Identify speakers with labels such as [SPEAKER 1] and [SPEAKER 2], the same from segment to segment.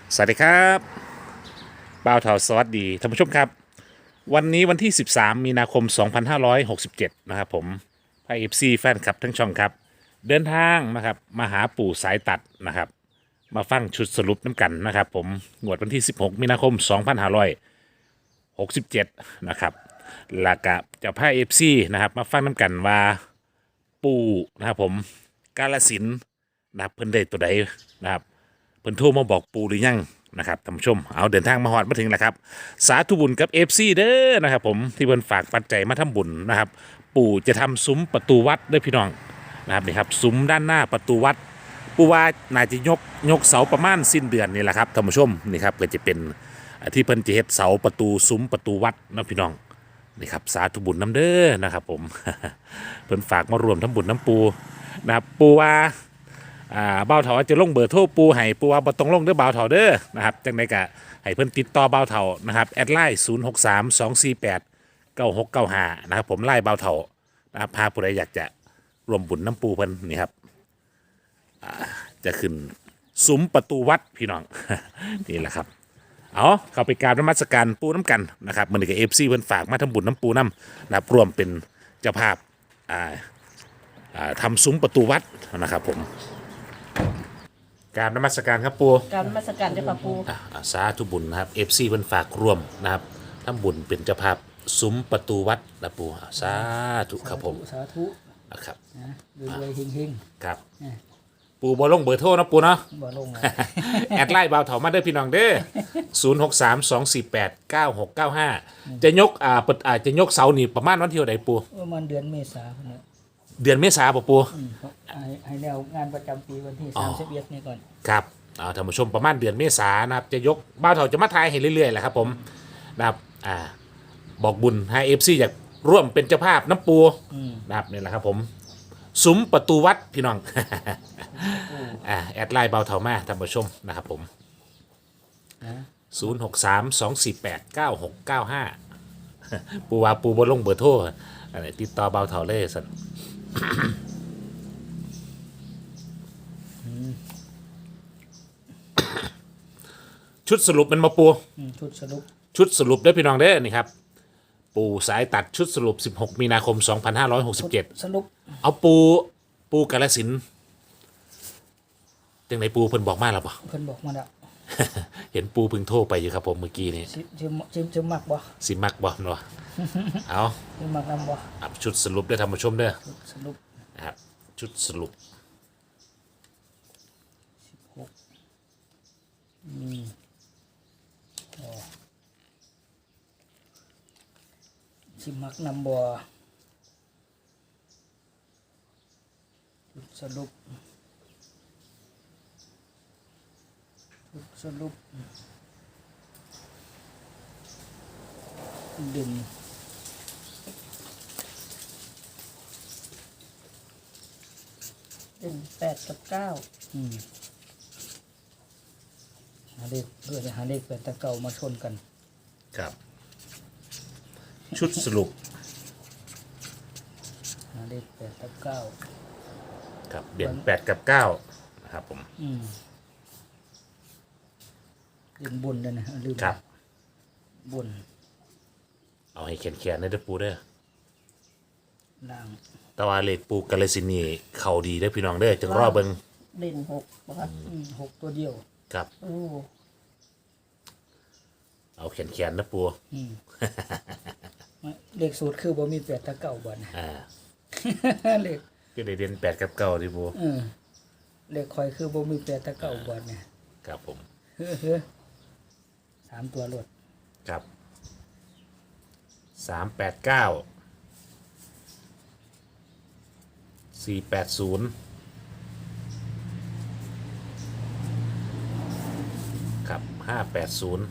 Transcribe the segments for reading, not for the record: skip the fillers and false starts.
[SPEAKER 1] สวัสดีครับบ่าวเทาสวัสดีท่านผู้ชมครับวันนี้วันที่ 13 มีนาคม 2567 นะครับผมไพเอฟซีแฟนคลับทั้งช่องครับเดินทางนะครับมาหาปู่สายตัดนะครับมาฟังชุดสรุปน้ำกันนะครับผมงวดวันที่ 16 มีนาคม 2567 นะครับแล้วก็จะพาเอฟซีนะครับมาฟังน้ำกันว่าปู่นะครับผมกาลสินธุ์นะครับเพิ่นได้ตัวใดนะครับ เพิ่นโทรมาบอกปูหรือยังนะครับท่านผู้ชมเอาเดินทางมาฮอดมาถึงแล้วครับสาธุบุญกับ FC เด้อนะครับผมที่เพิ่นฝากปัจจัยมาทำบุญนะครับปู่จะทำซุ้มประตูวัดด้วยพี่น้องนะครับนี่ครับซุ้มด้านหน้าประตูวัดปู่ว่าน่าจะยกเสาประมาณสิ้นเดือนนี่แหละครับท่านผู้ชมนี่ครับก็จะเป็นที่เพิ่นจะเฮ็ดเสาประตูซุ้มประตูวัดนะพี่น้องนี่ครับสาธุบุญน้ำเด้อนะครับผม เพิ่นฝากมารวมทำบุญน้ำปูนะครับปูว่าบ่าวเถาจะลงเบอร์โทรปูให้ปูว่าบ่ต้องลงเด้อบ่าวเถาเด้อนะครับจังไดก็ให้เพิ่นติดต่อบ่าวเถานะครับแอดไลน์0632489695นะครับผมไล่บ่าวเถานะครับพาผู้ใดอยากจะรวมบุญน้ำปูเพิ่นนี่ครับจะขึ้นซุ้มประตูวัดพี่น้อง นี่แหละครับเอาเข้าไปกราบนมัสการปูน้ำกันนะครับมื้อนี้ก็ FC เพิ่นฝากมาทำบุญน้ำปูน้ำนะครับรวมเป็นเจ้าภาพทำซุ้มประตูวัดนะครับผมกราบนมัสการครับปู
[SPEAKER 2] การนมัสการเจ้าค่ะปู
[SPEAKER 1] สาธุบุญนะครับ FC เพิ่นฝากร่วมนะครับทำบุญเป็นเจ้าภาพซุ้มประตูวัดนะปูสาธุครับผม
[SPEAKER 2] สาธุ
[SPEAKER 1] นะครับ
[SPEAKER 2] รวยๆเฮง
[SPEAKER 1] ครับปูบ่ลงเบอร์โทรนะปูเนาะ
[SPEAKER 2] บ่ลง
[SPEAKER 1] แอดไลน์บ่าวเถามาเด้อพี่น้องเด้อ0632489695จะยกจะยกเสานี่ประมาณวันที่เท่าใดปู
[SPEAKER 2] ประมาณเดือนเมษายนเนี่ย
[SPEAKER 1] เดือนเมษาป่ะปู
[SPEAKER 2] ให้แนวงานประจำปีวันที่31นี่ก่อน
[SPEAKER 1] ครับท่านผู้ชมประมาณเดือนเมษายนนะครับจะยกบ่าวเถาจะมาทายให้เรื่อยๆแหละครับผมนะครับบอกบุญให้เอฟซีอยากร่วมเป็นเจ้าภาพน้ำปูนะครับนี่แหละครับผมซุ้มประตูวัดพี่น้องแอดไลน์เบาเถามาท่านผู้ชมนะครับผม0632489695ปูว่าปูบนลงเบอร์โทรอะไรติดต่อเบาเถาเลยสันชุดสรุปมันมาปูชุดสรุปได้พี่น้องเด้อนี่ครับปูสายตัดชุดสรุป16 มีนาคม 2567
[SPEAKER 2] สรุป
[SPEAKER 1] เอาปูกาฬสินธุ์จังไหนปูเพิ่นบอกมาแล้วปะ
[SPEAKER 2] เพิ่นบอกมาแล้ว
[SPEAKER 1] เห็นปูเพิ่งโทรไปอยู่ครับผมเมื่อกี้นี้
[SPEAKER 2] จะมักบ่
[SPEAKER 1] สิมักบ่เนาะเอา
[SPEAKER 2] จะมักนำบ่
[SPEAKER 1] ชุดสรุปได้ท่านผู้ชมเด้อ
[SPEAKER 2] สรุป
[SPEAKER 1] นะครับชุดสรุป
[SPEAKER 2] มีสิมักนำบ่สรุปดึง8 กับ 9หาเลขเพื่อจะหาเลข8 กับ 9มาชนกัน
[SPEAKER 1] ครับชุดสรุป
[SPEAKER 2] หาเลข8 กับ 9
[SPEAKER 1] ครับเด่น8 กับ 9นะครับผม
[SPEAKER 2] เด่นบนเลยนะลืม
[SPEAKER 1] ครับ
[SPEAKER 2] บน
[SPEAKER 1] เอาให้แขนๆได้เด้อปูเด้อ
[SPEAKER 2] ล่าง
[SPEAKER 1] แต่ว่าเลขปูกาฬสินธุ์นี่เข้าดีเด้อพี่น้องเด้อจังรอเบิ่ง
[SPEAKER 2] เด่น6บ่ครับ6ตัวเดียว
[SPEAKER 1] ครับเอาแขนนะปู
[SPEAKER 2] เลขสูตรคือบ่มี8 กับ 9บ่นะเลข
[SPEAKER 1] ก็ได้เด่น8 กับ 9ดิปู
[SPEAKER 2] เลขคอยคือบ่มี8 กับ 9บ่เนี่ย
[SPEAKER 1] ครับผม
[SPEAKER 2] 3ตัวรวด
[SPEAKER 1] ครับ389 480ครับ580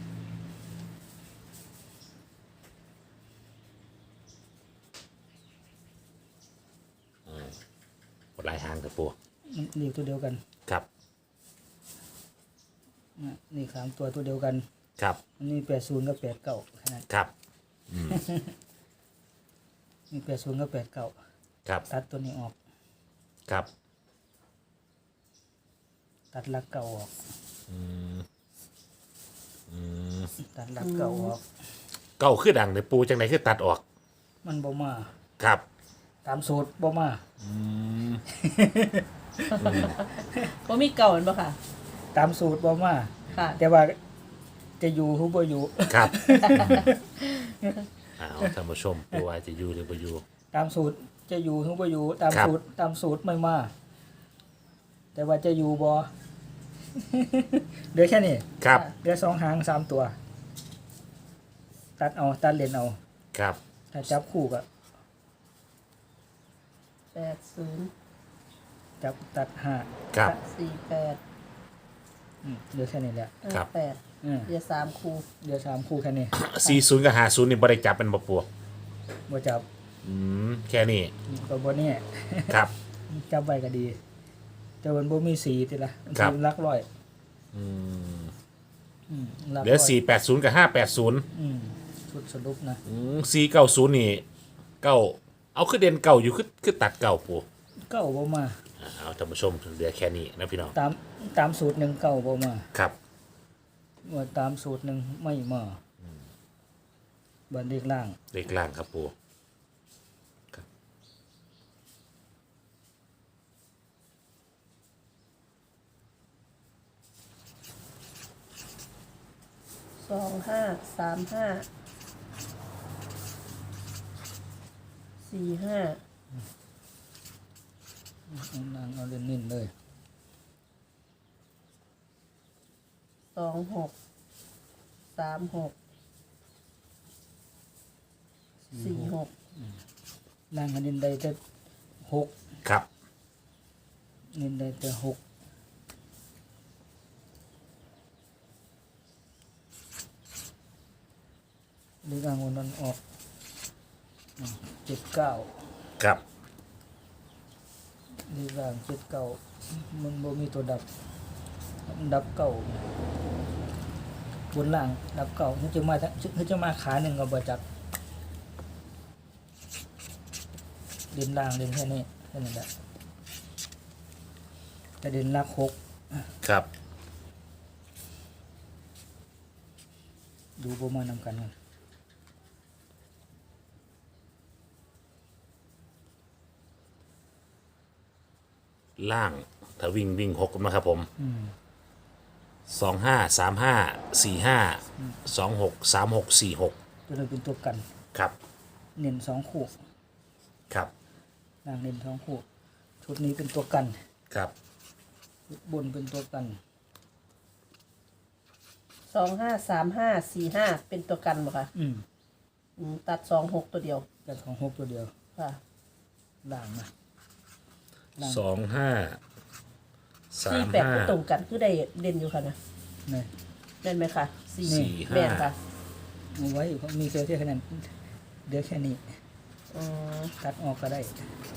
[SPEAKER 1] หลายหางครับปู
[SPEAKER 2] นี่ตัวเดียวกัน
[SPEAKER 1] ครับ
[SPEAKER 2] นี่3ตัวเดียวกัน
[SPEAKER 1] ครับ
[SPEAKER 2] อันนี้80 กับ 89แค่นั้น
[SPEAKER 1] ครับ
[SPEAKER 2] นี่80 กับ 89
[SPEAKER 1] ครับ
[SPEAKER 2] ตัดตัวนี้ออก
[SPEAKER 1] ครับ
[SPEAKER 2] ตัดหลักเก่าออกตัดหลักเก่าออก
[SPEAKER 1] เก้าคือดังในปูจังไหนคือตัดออก
[SPEAKER 2] มันบ่มา
[SPEAKER 1] ครับ
[SPEAKER 2] ตามสูตรบ่มา
[SPEAKER 3] บ่มีเก่าแม่นบ่ค่ะ
[SPEAKER 2] ตามสูตรบ่มา
[SPEAKER 3] ค่ะ
[SPEAKER 2] แต่ว่าจะอยู่หรือบ่อยู่
[SPEAKER 1] ครับอ้าวท่านผู้ชมปูว่าจะอยู่หรือบ่อยู่
[SPEAKER 2] ตามสูตรจะอยู่หรือบ่อยู่ตาม
[SPEAKER 1] ครับ
[SPEAKER 2] สูตรไม่มา แต่ว่าจะอยู่บ่ เหลือแค่นี้
[SPEAKER 1] ครับ
[SPEAKER 2] เหลือ2 หาง 3 ตัว ตัดเอาตัดเลนเอา
[SPEAKER 1] ครับ
[SPEAKER 2] ถ้าจับคู่ก็
[SPEAKER 3] 80
[SPEAKER 2] จับตัดห้า
[SPEAKER 1] ครับ
[SPEAKER 3] 48
[SPEAKER 2] เหลือแค่นี้แหละ
[SPEAKER 1] ครับ
[SPEAKER 3] 58
[SPEAKER 2] อืม
[SPEAKER 3] เหลือ3คู่
[SPEAKER 2] เหลือ3คู่แค่นี้
[SPEAKER 1] 40กับ50นี่บ่ได้จับเป็นบ่ปู
[SPEAKER 2] บ่จับ
[SPEAKER 1] แค่นี้
[SPEAKER 2] ก็บ่แน่
[SPEAKER 1] ครับ
[SPEAKER 2] จับไว้ก็ดี แต่มันบ่มีสีติละมัน
[SPEAKER 1] ครับ
[SPEAKER 2] สีหลักร้อย
[SPEAKER 1] อืม
[SPEAKER 2] หลัก
[SPEAKER 1] เหลือ
[SPEAKER 2] ร้อย
[SPEAKER 1] 480กับ580
[SPEAKER 2] ชุดสรุปนะ
[SPEAKER 1] 490นี่เก้าเอาคือเด่นเก่าอยู่คือตัดเก่าปู
[SPEAKER 2] เก้าบ่มา
[SPEAKER 1] เอาท่านผู้ชมเหลือแค่นี้นะพี่น้อง
[SPEAKER 2] ตามสูตรหนึ่งเก้าบ่มา
[SPEAKER 1] ครับ
[SPEAKER 2] ว่าตามสูตรหนึ่งไม่มาบันเลขล่าง
[SPEAKER 1] เลขล่างครับปูครับ
[SPEAKER 3] 25 35 45
[SPEAKER 2] เอาล่างเอาเน้นๆเลย
[SPEAKER 3] 26 36 46
[SPEAKER 2] ล่างอันเน้นได้แต่หก
[SPEAKER 1] ครับ
[SPEAKER 2] เน้นได้แต่หกเลขล่างวันนั้นออก79
[SPEAKER 1] ครับ
[SPEAKER 2] เลขล่างมันบ่มีตัวดับมันดับเก่าบนล่างดับเก่าเขาจะมาขาหนึ่งก็บ่จับเด่นล่างเด่นแค่นี้แค่นั้นแหละแต่เด่นลักหก
[SPEAKER 1] ครับ
[SPEAKER 2] ดูบ่มานำกันกัน
[SPEAKER 1] ล่างถ้าวิ่ง6นะครับผม253545263646
[SPEAKER 2] ตัวนี้เป็นตัวกัน
[SPEAKER 1] ครับ
[SPEAKER 2] เน้นสองคู่
[SPEAKER 1] ครับ
[SPEAKER 2] ล่างเน้นสองคู่ชุดนี้เป็นตัวกัน
[SPEAKER 1] ครับ
[SPEAKER 2] ชุดบนเป็นตัวกัน
[SPEAKER 3] 2535 45 เป็นตัวกันบ่ค่ะตัด 26 ตัวเดียว
[SPEAKER 2] แต่ของหกตัวเดียว
[SPEAKER 3] ค่ะ
[SPEAKER 2] ล่างนะ
[SPEAKER 3] 48ก็ตรงกันคือได้เด่นอยู่ค่ะนะ
[SPEAKER 2] นี่
[SPEAKER 3] แม่นไหมคะ
[SPEAKER 2] นี่
[SPEAKER 3] แม่นค่ะ
[SPEAKER 2] เอาไว้เพราะมีเซลล์ที่ขนาดเดี๋ยวแค่นี้
[SPEAKER 3] อืม
[SPEAKER 2] ตัดออกก็ได้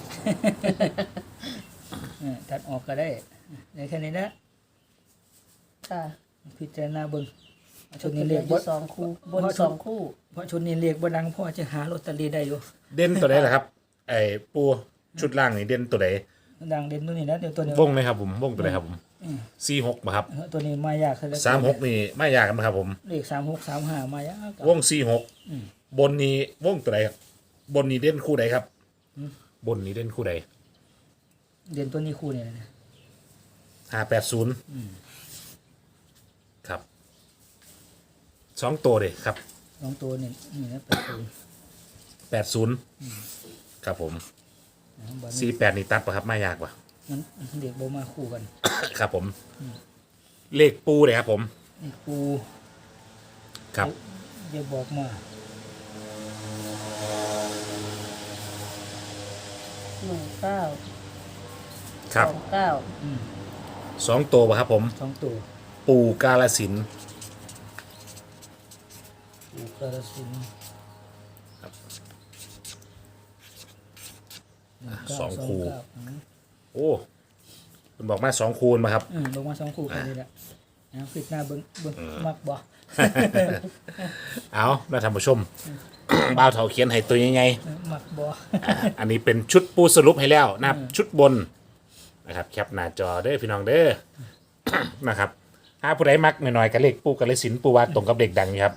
[SPEAKER 2] ตัดออกก็ได้เดี๋ยวแค่นี้นะ
[SPEAKER 3] ค่ะ
[SPEAKER 2] พิจารณาเบิ่งชุดนี้เรียก
[SPEAKER 3] บ
[SPEAKER 2] บ่
[SPEAKER 3] น2คู่บน2คู่
[SPEAKER 2] เพราะชุดนี้เรียกบ่ดังพ่อจะหาลอตเตอรี่ได้อยู่
[SPEAKER 1] เด่นตัวไหนล่ะครับ ไอ้ปูชุดล่างนี่เด่นตัวไหน
[SPEAKER 2] ดังเด่นตัวนี้นะเดี๋ยวตัวนี้
[SPEAKER 1] วงไหมครับผมวงตัวไหนครับผม46ป่ะครับ
[SPEAKER 2] ตัวนี้มายากซะแล้ว
[SPEAKER 1] 36นี่ไม่ยากนะครับผม
[SPEAKER 2] เลข3635มายาก
[SPEAKER 1] วง46บนนี้วงตัวไหนครับบนนี้เด่นคู่ใดครับบนนี้เด่นคู่ใด
[SPEAKER 2] เด่นตัวนี้คู่นี่นะ
[SPEAKER 1] 580ครับ2ตัวเลยครับ
[SPEAKER 2] สองตัวนี่นี่นะ
[SPEAKER 1] 80ครับผม
[SPEAKER 2] บัดนี้
[SPEAKER 1] 48นี่ตัดป่ะครับไม่ยากป่ะ
[SPEAKER 2] มันเด็กบ่มาคู่กัน
[SPEAKER 1] ครับผมเลขปูเลยครับผม
[SPEAKER 2] นี่ปู
[SPEAKER 1] ครับ
[SPEAKER 2] อย่าบอกมา
[SPEAKER 3] 19
[SPEAKER 1] ครับ
[SPEAKER 3] 29
[SPEAKER 1] 2ตัวป่ะครับผม
[SPEAKER 2] สองตัว
[SPEAKER 1] ปูกาลสินธุ์
[SPEAKER 2] ปูกระสินธุ์
[SPEAKER 1] สองคู่
[SPEAKER 2] เก้า
[SPEAKER 1] โอ้คุณบอกมา2คูณมาครับ
[SPEAKER 2] ลงมาสองคู่แค่นี้แหละนะคลิกหน้าเบิ่งมักบ่
[SPEAKER 1] เอาแล้วท่านผู้ชม บ่าวเถาเขียนให้ตัวยังไง
[SPEAKER 2] มักบ่
[SPEAKER 1] อันนี้เป็นชุดปูสรุปให้แล้วนะครับชุดบนนะครับแคปหน้าจอเด้อพี่น้องเด้อ นะครับหาผู้ใดมักหน่อยๆกับเลขปูกาลสินธุ์ปูว่าตรงกับเลขดังอยู่ครับ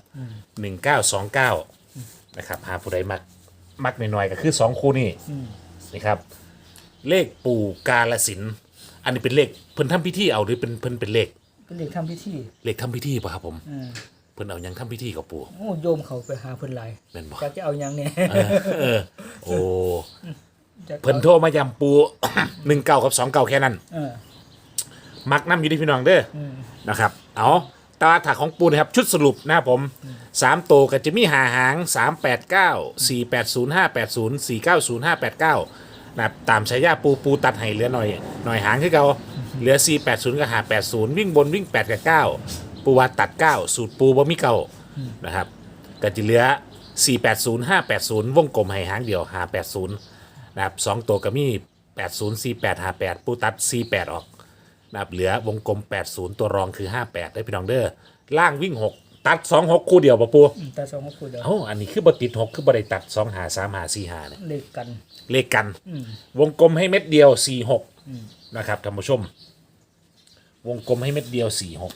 [SPEAKER 1] 1929นะครับหาผู้ใดมักหน่อยๆก็คือ2คู่นี่นี่ครับเลขปูกาลสินธุ์อันนี้เป็นเลขเพิ่นทำพิธีเอาหรือเป็นเพิ่นเป็นเลข
[SPEAKER 2] เป็นเด็กทำพิธี
[SPEAKER 1] เลขทำพิธีป่ะครับผม
[SPEAKER 2] อืม
[SPEAKER 1] เพิ่นเอาหยังทำพิธีกับปู
[SPEAKER 2] โอ้โยมเขาไปหาเพิ่นหลาย
[SPEAKER 1] แม่นบ่
[SPEAKER 2] จะเอาหยังเนี่ย
[SPEAKER 1] โอ้
[SPEAKER 2] จะ
[SPEAKER 1] เพิ่นโทรมายำปู 19กับ29แค่นั้น
[SPEAKER 2] เออ
[SPEAKER 1] มักน้ำอยู่ที่พี่น้องเด้ออนะครับเอาตาถักของปูนะครับชุดสรุปนะครับผม3ตัวก็จะมีหาหาง389 480 580 490 589นะครับตามฉายาปูตัดให้เหลือหน่อยหางคือเก่าเหลือ480กับ580วิ่งบนวิ่ง8กับ9ปูว่าตัด9สูตรปูบ่มีเก่านะครับก็จะเหลือ480 580วงกลมให้หางเดียว580นะครับ2ตัวก็มี80 48 58ปูตัด48ออกนะครับเหลือวงกลม80ตัวรองคือ58ได้พี่น้องเด้อล่างวิ่ง6ตัด26คู่เดียวป่ะปู
[SPEAKER 2] แต่สองมาคุยเดี๋ยว
[SPEAKER 1] เอ้าอันนี้คือบ่ติด6คือบ่ได้ตัด2หา3หา4หาเนี่ย
[SPEAKER 2] เลขกัน
[SPEAKER 1] เลขกันวงกลมให้เม็ดเดียว46นะครับท่านผู้ชม วงกลมให้เม็ดเดียว46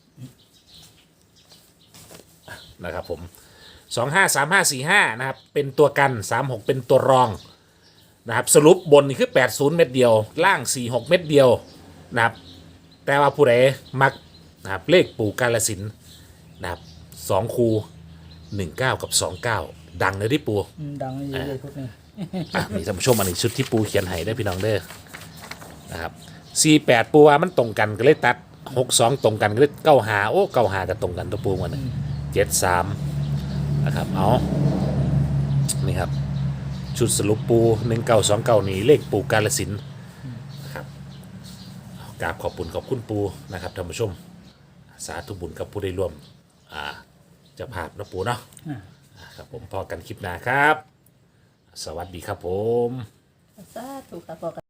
[SPEAKER 1] นะครับผม253545นะครับเป็นตัวกัน36เป็นตัวรองนะครับสรุปบนนี่คือ80เม็ดเดียวล่าง46เม็ดเดียวนะครับแต่ว่าผู้ใดมักนะครับเลขปู่กาลสินธุ์นะครับ2คู19กับ29ดังเลยที่ปู่
[SPEAKER 2] ดังอยู่เลยพวกนี้
[SPEAKER 1] นี่ท่านผู้ชมอันนี้ชุดที่ปูเขียนให้ได้พี่น้องเด้อนะครับ48ปูว่ามันตรงกันก็เลยตัด62ตรงกันก็เลย95โอ้95ก็ตรงกันตัวปูมันนะ73นะครับเอานี่ครับชุดสรุปปู1929นี่เลขปูกาลสินธุ์นะครับกราบขอบคุณปูนะครับท่านผู้ชมสาธุบุญกับผู้ได้ร่วมเจะภาพนะปูเนาะครับผมพอกันคลิปหน้าครับสวัสดีครับผม
[SPEAKER 3] สาธุค่ะพ่อ